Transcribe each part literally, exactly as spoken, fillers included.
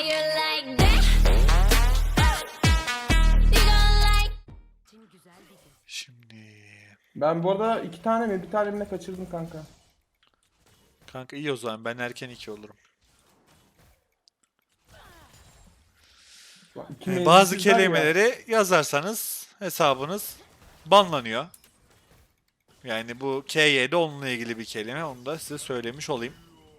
you like that? You gonna like? Şimdi Ben bu arada iki tane mi bir tane mi ne kaçırdım kanka. kanka iyi o zaman ben erken iki olurum. Bak, iki Yani bazı mevzusuzlar ya. kelimeleri yazarsanız hesabınız banlanıyor. Yani bu K Y'de onunla ilgili bir kelime. Onu da size söylemiş olayım.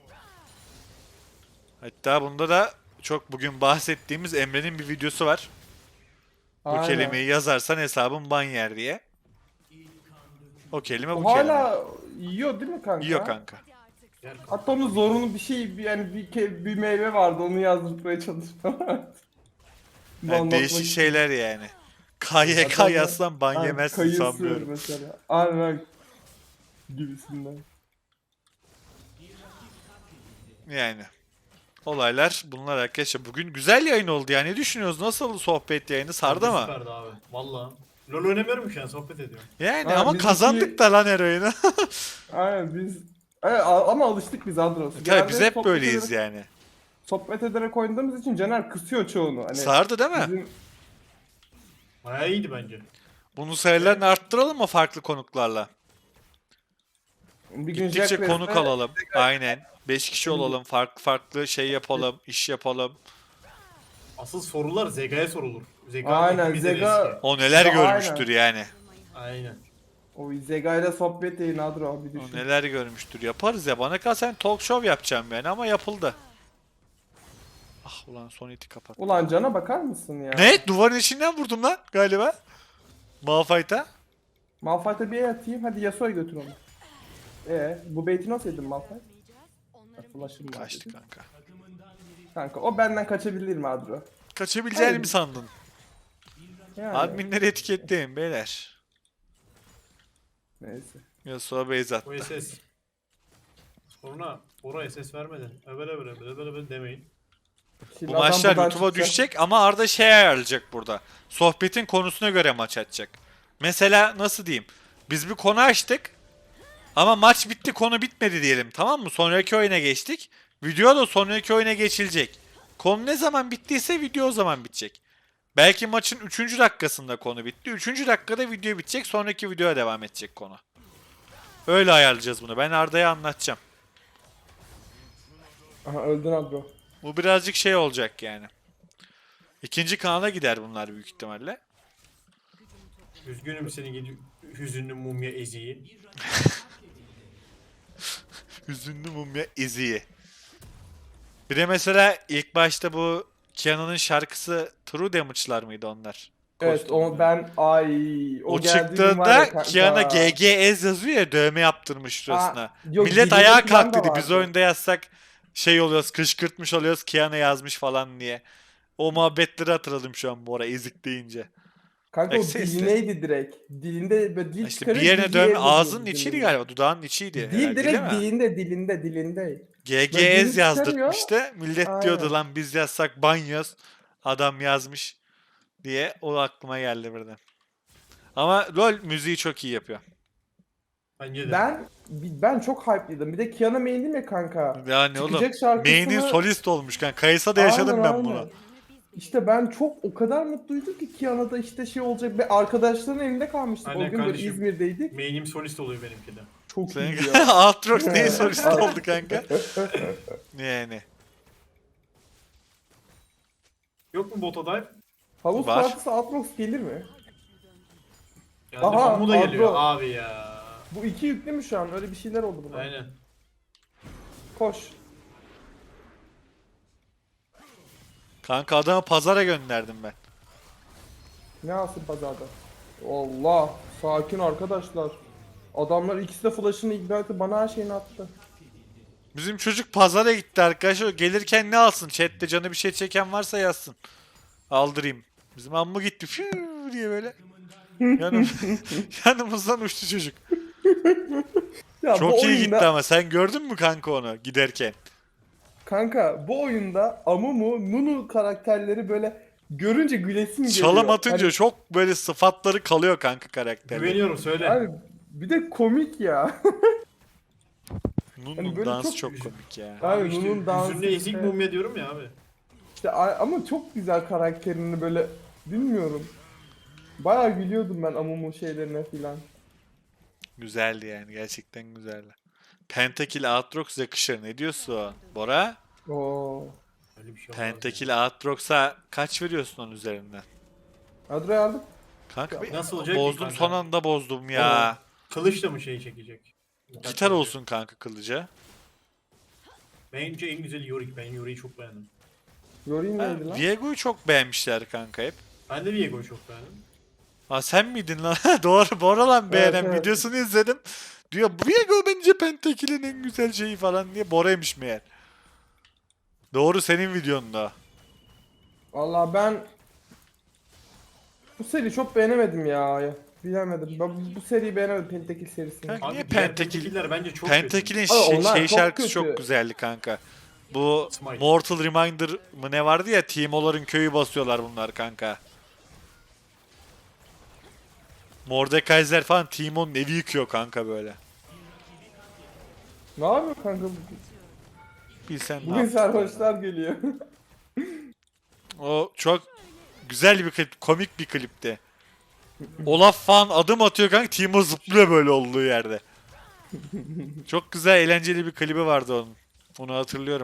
Hatta bunda da çok bugün bahsettiğimiz Emre'nin bir videosu var. Bu Aynen. kelimeyi yazarsan hesabın ban yer diye. O kelime bu O kelime. hala yiyor değil mi kanka? Yiyor kanka. Hatta onun zorunlu bir şey bir- yani bir, ke- bir meyve vardı onu yazdırmaya çalıştım. Yani değişik şeyler yani. K Y K Adamlar- yazsan ban Aynen, yemezsin kayısı sanmıyorum. mesela. Aynen gibisinden. Yani. Olaylar bunlar arkadaşlar. Bugün güzel yayın oldu ya. Ne düşünüyorsunuz? Nasıl sohbet yayını? Sardı mı? Süperdi abi. Valla. LoL oynamıyorum şu an sohbet ediyorum. Yani Ha, ama biz kazandık iki- da lan her oyunu. Aynen biz Evet, a- ama alıştık biz Adros. Tabii Genelde biz hep sohbet böyleyiz ederek- yani. Sohbet ederek oynadığımız için Caner kısıyor çoğunu. Hani Sardı değil mi? bizim Bayağı iyiydi bence. Bunun sayılarını arttıralım mı farklı konuklarla? bir gün Gittikçe Jack konuk West'e- alalım. Aynen. Beş kişi olalım. Farklı farklı şey yapalım. iş yapalım. Asıl sorular Zega'ya sorulur. Zega Aynen, hepimizden Zega- eski. O neler Ya, görmüştür yani. Aynen. O Zega'yla sohbet yayını Adro bir O düşün. neler görmüştür. Yaparız ya. Bana kalsen talk show yapacağım yani ama yapıldı. Ah ulan son iti kapat. Ulan Can'a bakar mısın ya? Ne? Duvarın içinden vurdum lan galiba. Malphite'a. Malphite'a bir el atayım hadi Yasuo'yu götür onu. Ee, bu bait'i nasıl yedin Malphite? Ha, Flash'ım var. Kaçtı dedi. kanka. Kanka o benden kaçabilir mi Adro? Kaçabileceğini Hayır. mi sandın? Yani. Adminleri etiketleyin beyler. Neyse. Yasuo base O attı. S S. Sonra Bora S S vermeden öbel öbel öbel öbel öbel demeyin. Şimdi Bu adam maçlar buradan YouTube'a çıkacak. düşecek ama Arda şey ayarlayacak burada. Sohbetin konusuna göre maç açacak. Mesela nasıl diyeyim? Biz bir konu açtık. Ama maç bitti konu bitmedi diyelim tamam mı? Sonraki oyuna geçtik. Video da sonraki oyuna geçilecek. Konu ne zaman bittiyse video o zaman bitecek. Belki maçın üçüncü dakikasında konu bitti. üçüncü dakikada video bitecek. Sonraki videoya devam edecek konu. Öyle ayarlayacağız bunu. Ben Arda'ya anlatacağım. Aha öldün Adro. Bu birazcık şey olacak yani. İkinci kanala gider bunlar büyük ihtimalle. Üzgünüm seni gidi hüzünlü mumya eziği. Hüzünlü mumya iziyi. Bir de mesela ilk başta bu Kiana'nın şarkısı True Damage'lar mıydı onlar? Evet Kostümler. o ben ay o, O geldiği gün var ya çıktığında kanka. Kiana G G S yazıyor ya dövme yaptırmış şurasına. Aa, yok, Millet dilinde ayağa falan kalk da dedi. Biz vardı. oyunda yazsak şey oluyoruz kışkırtmış oluyoruz Kiana yazmış falan diye. O muhabbetleri hatırladım şu an bu ara ezik deyince. Kanka o Eksesi. dilineydi direkt. Dilinde böyle dil İşte çıkarıyor. bir yerine dili dövme yazıyordu ağzının dilinde. içiydi galiba dudağın içiydi. Dil herhalde, direkt değil mi? dilinde dilinde dilinde. G Böyle G dilini S yazdırtmıştı. Millet Aynen. diyordu lan biz yazsak ban yaz. Adam yazmış diye o aklıma geldi birden. Ama LoL müziği çok iyi yapıyor. Bence de. Ben ben çok hype'lıydım. Bir de Kiana main'im ya kanka. Yani oğlum Çıkacak şarkısını... main'in solist olmuş kan. Kayıs'a da yaşadım Aynen, ben aynen. bunu. İşte ben çok o kadar mutluydum ki Kiana'da işte şey olacak. Ve arkadaşların elinde kalmıştık. Aynen o gün böyle kardeşim. İzmir'deydik. Main'im solist oluyor benimki de. Çok Senin iyi ya. Aatrox neyin solist oldu kanka? Yani. Yok mu bota dive? Havuz Var. partisi Atrox gelir mi? Yani Aha, bu da geliyor Adro. abi ya. Bu iki yüklü mü şu an? Öyle bir şeyler oldu buna. Aynen. Koş. Kanka adamı pazara gönderdim ben. Ne alsın pazarda? Allah. Sakin arkadaşlar. Adamlar ikisi de flash'ını ignite bana her şeyini attı. Bizim çocuk pazara gitti arkadaşlar. Gelirken ne alsın? Chat'te canı bir şey çeken varsa yazsın. Aldırayım. Bizim amma gitti. Fiu diye böyle. Yanım, yanımızdan uçtu çocuk. Ya Çok bu iyi oyunda, gitti ama sen gördün mü kanka onu giderken? Kanka bu oyunda Amumu, Nunu karakterleri böyle görünce gülesim geliyor. Çalım atınca Hani- çok böyle sıfatları kalıyor kanka karakterlerin. Güveniyorum söyle. Abi bir de komik ya. Nun'un hani böyle dansı çok- çok komik ya. Abi Abi işte Nunu'nun dansı hüzünlü ezik işte. mumya diyorum ya abi. İşte a- ama çok güzel karakterini böyle bilmiyorum. Bayağı gülüyordum ben Amumu şeylerine filan. Güzeldi yani. Gerçekten güzeldi. Pentakill Aatrox yakışır. Ne diyorsun Bora? Oo. Öyle bir şey olmaz. Pentakill Aatrox'a kaç veriyorsun onun üzerinden? Adro'yu aldık. Kanka bir Nasıl olacak ki bozdum kanka? son anda bozdum ya. Ya. Kılıçla mı şey çekecek? Gitar olsun kanka kılıca. Bence en güzeli Yorick. Ben Yorick'i çok beğendim. Yori'yi Ha, neydi lan? Viego'yu çok beğenmişler kanka hep. Ben de Viego'yu çok beğendim. Ha sen miydin lan? Doğru Bora lan beğenen evet. videosunu izledim. Diyor Viego bence Pentakill'in en güzel şeyi falan diye Bora'ymış meğer. Doğru senin videonda. Valla ben bu seriyi çok beğenemedim ya. Bilemedim. Ben bu, bu seriyi beğenemedim Pentakil serisini. Kanka Abi niye diğer Pentakil? Pentakiller bence çok Pentakill'in Abi şey, onlar şey çok şarkısı kötü. çok güzeldi kanka. Bu Smite. Mortal Reminder mı ne vardı ya Teemo'ların köyü basıyorlar bunlar kanka. Mordekaiser falan Teemo'nun evi yıkıyor kanka böyle. Ne yapıyor kanka? Bilsen ne Bugün yap- sarhoşlar geliyor. O çok güzel bir klip, komik bir klipti. Olaf falan adım atıyor kanka Teemo zıplıyor böyle olduğu yerde. Çok güzel eğlenceli bir klibi vardı onun. Onu hatırlıyorum.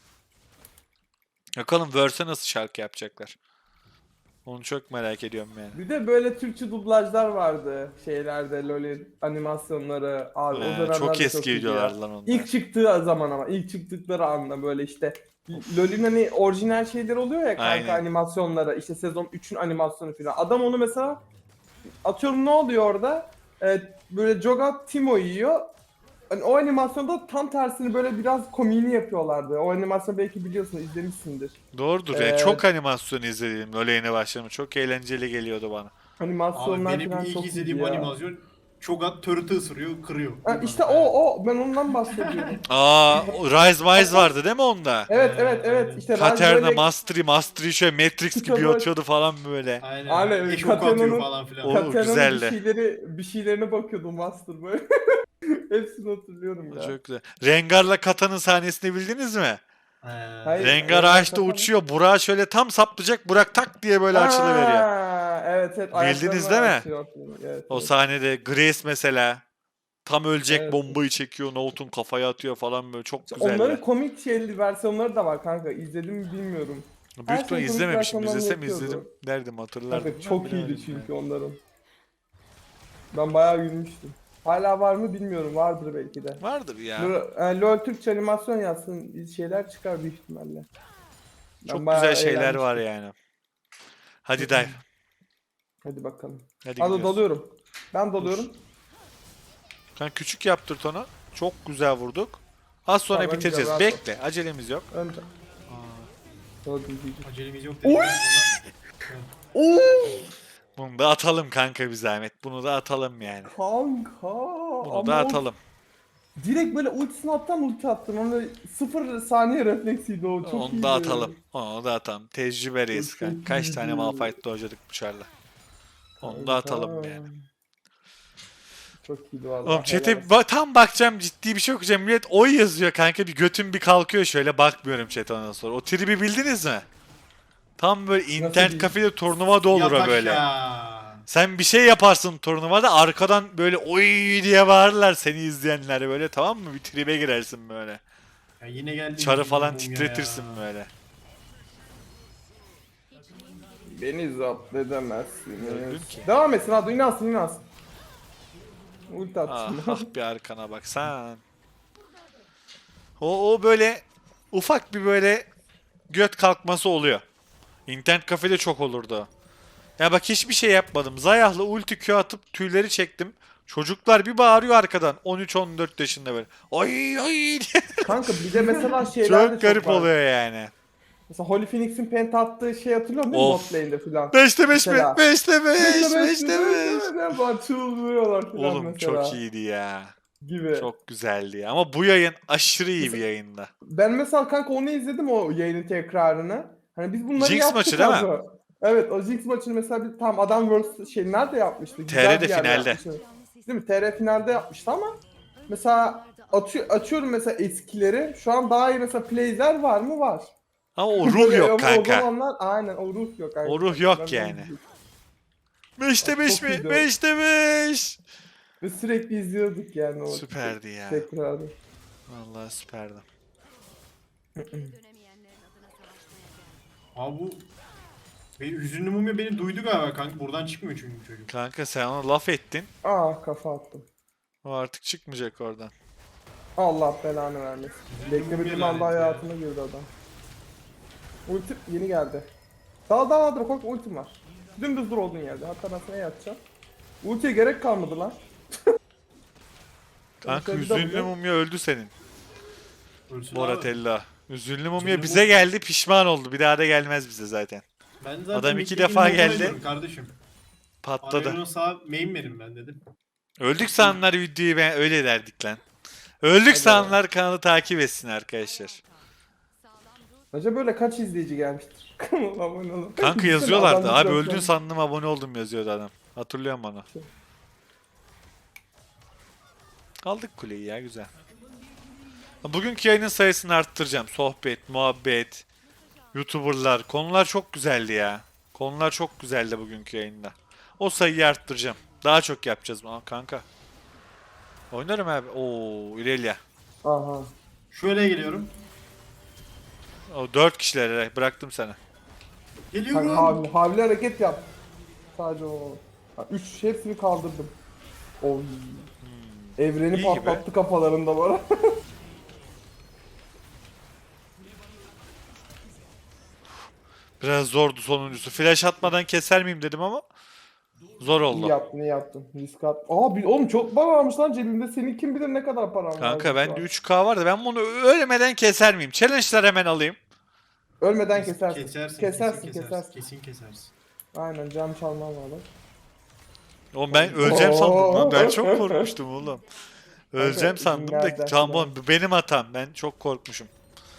Bakalım Verse'e nasıl şarkı yapacaklar. Onu çok merak ediyorum yani. Bir de böyle Türkçe dublajlar vardı şeylerde LoL'in animasyonları. Abi o Ee, dönemler çok de eski iyiydi ya. videolar lan onlar. İlk çıktığı zaman ama ilk çıktıkları anda böyle işte LoL'ün hani orijinal şeyleri oluyor ya kanka Aynen. animasyonlara işte sezon üçün animasyonu falan. Adam onu mesela atıyorum ne oluyor orada? Ee, böyle Jogat Timo yiyor. Hani o animasyonda tam tersini böyle biraz komiğini yapıyorlardı. O animasyonu belki biliyorsun izlemişsindir. Doğrudur. Ee, ya. Çok animasyon izledim LoL'e yeni başladım. Çok eğlenceli geliyordu bana. Abi Animasyonlar benim falan ilk çok izlediğim iyiydi ya. animasyon Cho'Gath turret'ı ısırıyor, kırıyor. Ha, işte o o ben ondan bahsediyorum. Aa, o Rise Wise vardı değil mi onda? Evet Ee, evet evet aynen. işte Rise Katerina böyle Mastery Mastery şöyle Matrix gibi Kitabı- atıyordu falan böyle. Aynen. Aynen, Eş ok atıyor Katerina'nın- falan filan. O- Katerina'nın güzeldi. bir şeyleri bir şeylerine bakıyordum Master böyle. Hepsini hatırlıyorum ya. Çok güzel. Rengar'la Kata'nın sahnesini bildiniz mi? Ee, Hayır. Rengar Rengar ağaçta Kata mı? uçuyor. Burak'ı şöyle tam saplayacak. Burak tak diye böyle açılıveriyor. Ha, evet evet. Bildiniz ayaklarını değil mi? açıyor, hatırlıyorum. Evet, O evet. sahnede Grace mesela tam ölecek Evet. bombayı çekiyor. Nohut'un kafaya atıyor falan böyle. Çok güzeldi. Onların komik şeyli versiyonları da var kanka. İzledim mi bilmiyorum. Büyük her ihtimalle şey komik izlememişim. versiyonlarını İzlesem yapıyordu. izledim derdim hatırlardım. Kanka çok Bilemedim iyiydi yani. çünkü onların. Ben bayağı gülmüştüm. Hala var mı bilmiyorum. Vardır belki de. Vardır ya. L- e, LoL Türkçe animasyon yazsın şeyler çıkar büyük ihtimalle. Ben Çok bayağı güzel şeyler var eğlenmiştim. yani. Hadi dive. Hadi bakalım. Hadi Hadi gidiyoruz. dalıyorum. Ben dalıyorum. Kanka küçük yaptırt onu. Çok güzel vurduk. Az sonra Tamam, bitireceğiz. güzel, rahat Bekle. Acelemiz yok. Önce. Hadi diyeceğim. acelemiz yok dedik. Bunu da atalım kanka bir zahmet. Bunu da atalım yani. Kanka. Bunu ama da o- atalım. Direkt böyle ultisini attan ulti attım. Ama sıfır saniye refleksiydi o. Çok Onu iyiydi. da atalım. Onu da atalım. Tecrübeliyiz Çok kanka. Kaç tane iyiydi. Malphite'da hocadık bıçarla. Onu da atalım yani. Çok iyiydi valla. Oğlum chat'e helal olsun. ba- tam bakacağım ciddi bir şey okuyacağım. Millet oy yazıyor kanka bir götüm bir kalkıyor şöyle bakmıyorum chat'e ondan sonra. O tribi bildiniz mi? Tam böyle internet değil? kafede turnuva da olur o Yat böyle. aşağı. Sen bir şey yaparsın turnuvada arkadan böyle oy diye bağırırlar seni izleyenler böyle tamam mı? Bir tribe girersin böyle. Ya yine geldi. Çarı bizim falan mumya titretirsin ya. böyle. Beni zapt edemezsiniz. Gördüm ki. Devam etsin hadi inansın inansın. Ulti at Ah, şimdi. ah bir arkana baksan. O, o böyle ufak bir böyle göt kalkması oluyor. İnternet kafede çok olurdu o. Ya bak hiçbir şey yapmadım. Zayah'la ulti Q atıp tüyleri çektim. Çocuklar bir bağırıyor arkadan. on üç on dört yaşında böyle. Ay ay diye. Kanka bir de mesela şeyler de Çok garip var. oluyor yani. Mesela Holy Phoenix'in penta attığı şey hatırlıyor musun? Of. Bot lane'de filan. beşte beş mi? Mesela. beşte beş. Beşte beş, beşte beş. beş. Falan çıldırıyorlar filan Oğlum mesela. çok iyiydi ya. Gibi. Çok güzeldi ya. Ama bu yayın aşırı iyi bir yayında. Ben mesela kanka onu izledim o yayının tekrarını. Hani biz bunları Jinx yaptık maçı değil mi? abi. Evet o Jinx maçını mesela bir tam Adam World şey nerede yapmıştı? Güzel T R'de bir yerde finalde. yapmıştı. Değil mi? T R finalde yapmıştı ama mesela atıyor, açıyorum mesela eskileri. Şu an daha iyi mesela play'ler var mı? Var. Ama o ruh yok Ama O kanka. zamanlar aynen o ruh yok. Aynen. O ruh yok Ben- yani. beşte beş Çok mi? iyiydi o. beşte beş. Ve sürekli izliyorduk yani o Süperdi ya. tekrarı. Vallahi süperdi. Abi bu benim hüzünlü mumya beni duydu galiba kanka. Buradan çıkmıyor çünkü çocuk. Kanka sen ona laf ettin. Aa kafa attım. O artık çıkmayacak oradan. Allah belanı vermesin. Beklemediğim lanet anda ya. hayatına girdi adam. Ultim yeni geldi. Daha daha daha korkma ultim var. Dümdüz dur olduğun yerde. Hatta ben sana yatacağım. Ultiye gerek kalmadı lan. Kanka Şöyle bir hüzünlü double- mumya öldü senin. Ölsün abi. Boratella. Hüzünlü mumya Hüzünlü bize mum- geldi, pişman oldu. Bir daha da gelmez bize zaten. Ben zaten Adam iki ilk defa dediğim geldi. motora gidiyorum Kardeşim. Patladı. Arayon'a sağ main verin ben dedim. Öldük sananlar videoyu ben öyle derdik lan. Öldük sananlar kanalı takip etsin arkadaşlar. Acaba böyle kaç izleyici gelmiştir? Kanala abone olun. Kanka Bütün yazıyorlardı. adam Abi bir öldün doksan- sandım abone oldum yazıyordu adam. Hatırlıyorum onu. Aldık kuleyi ya güzel. Bugünkü yayının sayısını arttıracağım. Sohbet, muhabbet, YouTuber'lar. Konular çok güzeldi ya. Konular çok güzeldi bugünkü yayında. O sayıyı arttıracağım. Daha çok yapacağız. Aa, kanka. Oynarım abi. Oo, Irelia. Aha. Şöyle geliyorum. O dört kişilere bıraktım sana. Geliyorum. Kanka havli, havli hareket yap. Sadece o. Ha, üç hepsini kaldırdım. Oy. Evreni İyi gibi. patlattı kafalarında bana. Biraz zordu sonuncusu. Flash atmadan keser miyim dedim ama zor İyi oldu. yaptın, iyi yaptın. Risk at. Aa, bir, oğlum çok para varmış lan cebimde. Senin kim bilir ne kadar paran var. Kanka bende üç K var da ben bunu ölmeden keser miyim? Challenge'lar hemen alayım. Ölmeden Kes- kesersin. Kesersin, Kesersin, kesin kesersin. Kesin kesersin. Aynen cam çalmam lazım. Oğlum ben öleceğim Oo. sandım lan. Ben çok korkmuştum oğlum. Öleceğim Kanka, sandım da nereden tamam bu benim hatam. Ben çok korkmuşum.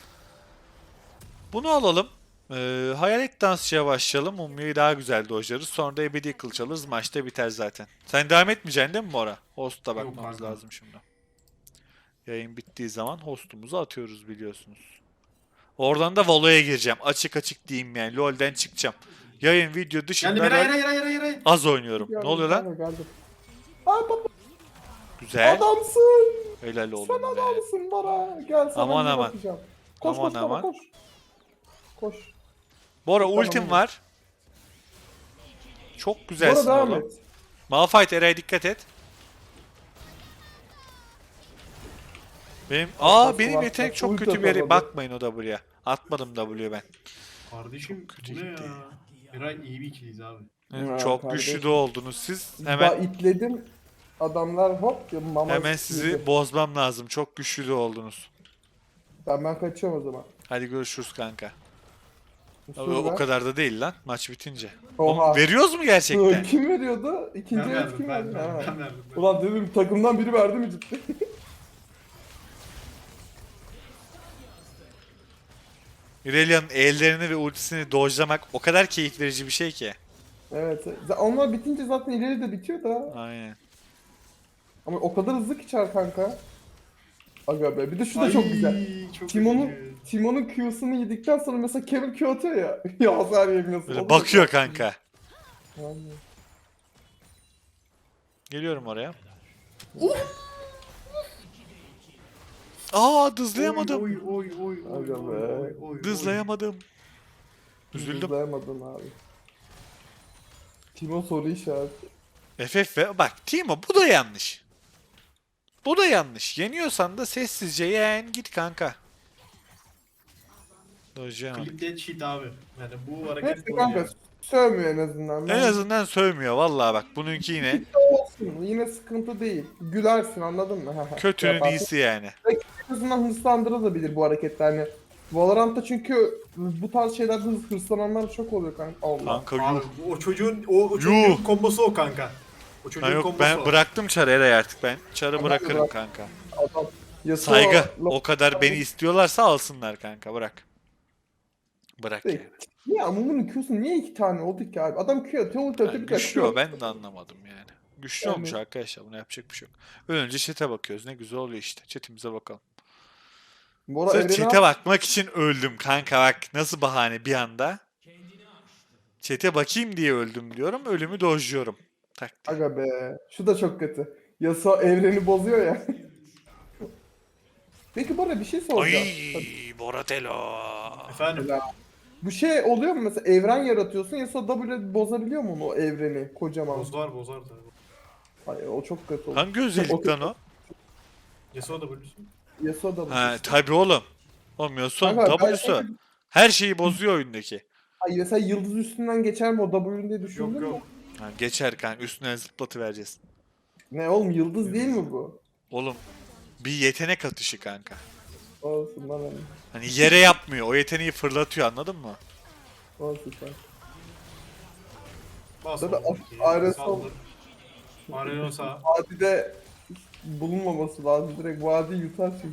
Bunu alalım. Ee, hayalet dansçıya başlayalım. Mumya'yı daha güzel dojlarız. Sonra da ebedi kılıç alırız. Maçta biter zaten. Sen devam etmeyeceksin değil mi Bora? Host'a Yok bakmamız kanka. lazım şimdi. Yayın bittiği zaman hostumuzu atıyoruz biliyorsunuz. Oradan da Valo'ya gireceğim. Açık açık diyeyim yani. LoL'den çıkacağım. Yayın video dışında Geldi bir hayır LoL hayır hayır hayır. hayır. az oynuyorum. Ne oluyor lan? Kanka, geldim. Aa baba Güzel. adamsın. Helal Sen oğlum be. adamsın bana. Gel sana Aman bir aman. bakacağım. Koş Aman koş baba aman. koş. Koş. Bora Tamam, ultim tamam. var. Çok Bora güzelsin devam oğlum. et. Malphite Eray'a dikkat et. Benim aa bak, benim bak, yetenek bak, çok ulti kötü bir yere atamadı. bakmayın o W'ya. Atmadım W ben. Kardeşim kötü bu ne gitti. ya? Eray iyi bir ikiliyiz abi. Ya, Çok kardeşim. güçlü de oldunuz siz. Hemen. Hemen itledim. Adamlar hop ya, mama hemen sizi yedi. bozmam lazım. Çok güçlü de oldunuz. Ben, ben kaçıyorum o zaman. Hadi görüşürüz kanka. O, Usul o ver. kadar da değil lan maç bitince. Oha. Oğlum, veriyoruz mu gerçekten? Kim veriyordu? İkinci Ben el verdim kim ben, verdi? ben, Ha. ben verdim. Ben. Ulan dedim takımdan biri verdi mi ciddi? Irelia'nın ellerini ve ultisini dojlamak o kadar keyif verici bir şey ki. Evet. Z- Onlar bitince zaten ileri de bitiyor da. Aynen. Ama o kadar hızlı ki çar kanka. Aga be. Bir de şu da Ay, çok güzel. Çok Timon'un üzücü. Timon'un Q'sunu yedikten sonra mesela Kevin Q atıyor ya. ya hasar yemiyorsun. O Böyle da bakıyor çok- kanka. Aynen. Geliyorum oraya. Aa dızlayamadım. Oy oy oy oy Aga oy be. oy oy. Dızlayamadım. Üzüldüm. Hızlayamadın abi. Timo soru işareti. F F ve bak Timo bu da yanlış. Bu da yanlış. Yeniyorsan da sessizce yen git kanka. Dojlayamadım. Clip dead shit abi. Yani bu hareket Hepsi bu kanka ya. sövmüyor en azından. En Ben- azından sövmüyor vallahi bak bununki yine olsun. Yine sıkıntı değil. Gülersin anladın mı? kötünün Yaparsın. iyisi yani. En azından hırslandırabilir bu hareketler. Yani Valorant'ta çünkü bu tarz şeylerde hırs, hırslananlar çok oluyor kanka. Allah. Kanka Abi yuh. o çocuğun o, o çocuğun Yuh. kombosu o kanka. O çocuğun Ha yok kombosu ben o. bıraktım çarı Eray artık ben. Çarı Tamam, bırakırım bırak. kanka. Adam. Yasuo- Saygı. Lo- O kadar beni istiyorlarsa alsınlar kanka bırak. Bırak Şey, yani. Niye Amumu'nun Q'su niye iki tane oldu ki abi? Adam Q atıyor, ulti Yani atıyor, bir dakika. güçlü o ben de anlamadım yani. Güçlü Yani- olmuş arkadaşlar buna yapacak bir şey yok. Önce chat'e bakıyoruz ne güzel oluyor işte. Chat'imize bakalım. Bora Sırf evreni chat'e al. bakmak için öldüm kanka bak. Nasıl bahane bir anda. Chat'e bakayım diye öldüm diyorum. Ölümü dojluyorum. Tak diye. Aga be. Şu da çok kötü. Yasuo evreni bozuyor ya. Peki Bora bir şey soracağım. Ay Boratello. Efendim. Bu şey oluyor mu mesela evren yaratıyorsun Yasuo W bozabiliyor mu onu o evreni kocaman? Bozlar bozar tabii. Hayır o çok kötü olur. Hangi özellik lan o? Yasuo da bölürsün. Yasuo W. Ha tabi oğlum. Olmuyorsun Kanka, ben W'su. şey- Her şeyi bozuyor oyundaki. Ay mesela yıldız üstünden geçer mi o W'nin diye düşündün Yok mü? yok. Ha, geçer kanka üstüne zıplatı vereceğiz. Ne oğlum yıldız değil mi bu? Oğlum bir yetenek atışı kanka. Olsun lan hani. Hani yere yapmıyor. O yeteneği fırlatıyor anladın mı? Olsun sen. Bas Zaten oğlum. Ares Saldır. Arenon sağ. Vadide bulunmaması lazım. Direkt vadi yutar çünkü.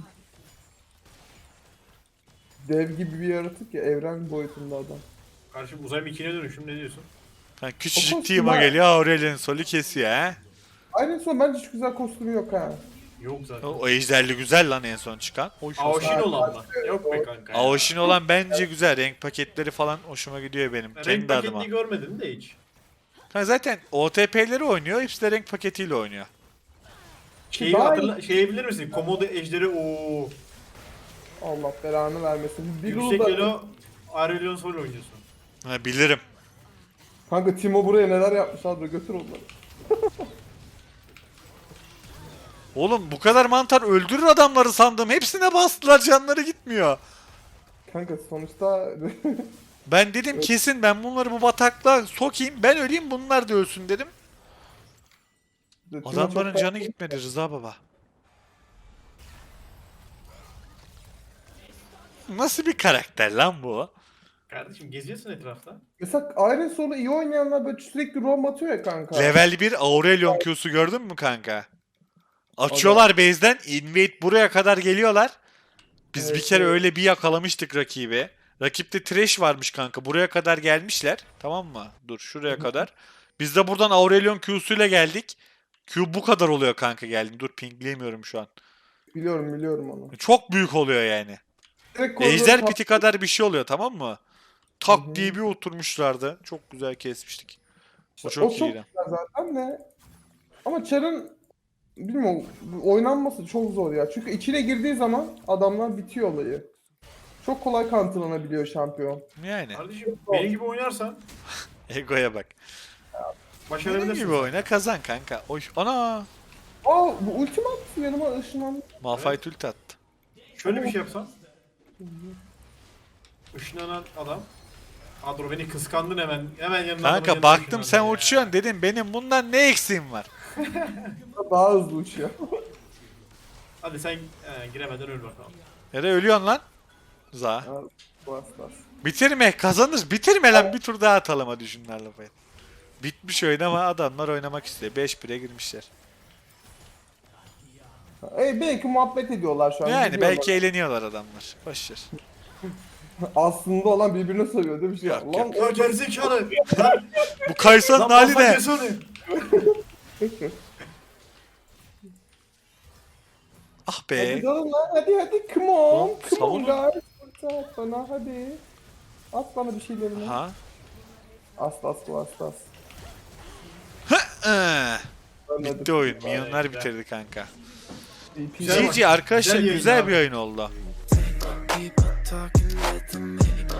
Dev gibi bir yaratık ya evren boyutunda adam. Karşı uzay mikine dönüşüm ne diyorsun? Ha, O küçücük kostüm team'a var. geliyor Aurelion Sol'ü kesiyor ha. Aynen son bence hiç güzel kostümü yok ha. Yok zaten. O, o ejderli güzel lan en son çıkan. Hoş olsun. Aoşin olan mı? Yok be kanka. ya. Aoşin olan bence güzel. Renk paketleri falan hoşuma gidiyor benim. Ben Kendi renk adıma. paketini görmedim de hiç. Ha, zaten O T P'leri oynuyor. Hepsi de renk paketiyle oynuyor. Şeyi Daha hatırla, şeyi bilir misin? Komodo ejderi ooo. Allah belanı vermesin. Bir Yüksek da... elo Aurelion Sol oynuyorsun. Ha, bilirim. Kanka Timo buraya neler yapmış abi götür onları. Oğlum bu kadar mantar öldürür adamları sandım. Hepsine bastılar canları gitmiyor. Kanka sonuçta Ben dedim kesin ben bunları bu bataklığa sokayım. Ben öleyim bunlar da ölsün dedim. Timo Adamların çok- canı gitmedi Rıza baba. Nasıl bir karakter lan bu? Kardeşim geziyorsun etrafta. Mesela Iron Soul'u iyi oynayanlar böyle sürekli roam atıyor ya kanka. Level bir Aurelion Q'su gördün mü kanka? Açıyorlar base'den invade buraya kadar geliyorlar. Biz Evet, bir kere evet. öyle bir yakalamıştık rakibi. Rakipte Thresh varmış kanka. Buraya kadar gelmişler. Tamam mı? Dur şuraya kadar. Biz de buradan Aurelion Q'suyla geldik. Q bu kadar oluyor kanka geldim. Dur pingleyemiyorum şu an. Biliyorum biliyorum onu. Çok büyük oluyor yani. Direkt koridoru Ejder tap- piti kadar bir şey oluyor tamam mı? Tak diye bir oturmuşlardı. Çok güzel kesmiştik. O çok o çok iyiydi. güzel zaten de. Ama Char'ın bilmiyorum oynanması çok zor ya. Çünkü içine girdiği zaman adamlar bitiyor olayı. Çok kolay counterlanabiliyor şampiyon. Yani Kardeşim benim gibi oynarsan egoya bak. Benim başarabilirsin. gibi oyna kazan kanka. Oy. Ana! Aa bu ultim attı yanıma ışınlandı. Malphite ult attı. Şöyle bir şey yapsan. Işınlanan adam. Adro beni kıskandın hemen. Hemen yanına adamın Kanka yanına baktım ışınlandın sen ya. uçuyorsun dedim benim bundan ne eksiğim var? Daha hızlı uçuyor. Hadi sen e, giremeden öl bakalım. Nere ölüyorsun lan? Za. Ya, bas bas. Bitirme kazanır. Bitirme lan bir tur daha atalım hadi şunlarla falan. Bitmiş oyun ama adamlar oynamak istiyor. beş bire girmişler. E, belki muhabbet ediyorlar şu an. Yani biliyorlar. belki eğleniyorlar adamlar. Başlar. Aslında olan birbirine söylüyor değil mi? Şey, Yok, lan Ya gerizekalı. Lan Bu Kaysan lan hali pasta ne? kes onu. Ah hadi be. dalın lan hadi hadi come on. Oğlum, Come on savunun. guys. At bana hadi. At bana bir şeylerini. Ha? Asla asla asla. Ee, Ölmedim. bitti oyun. Güzel, Milyonlar güzel. bitirdi kanka. İyi, Güzel G G arkadaşlar Güzel yayın güzel abi. bir oyun oldu. People talking, let them make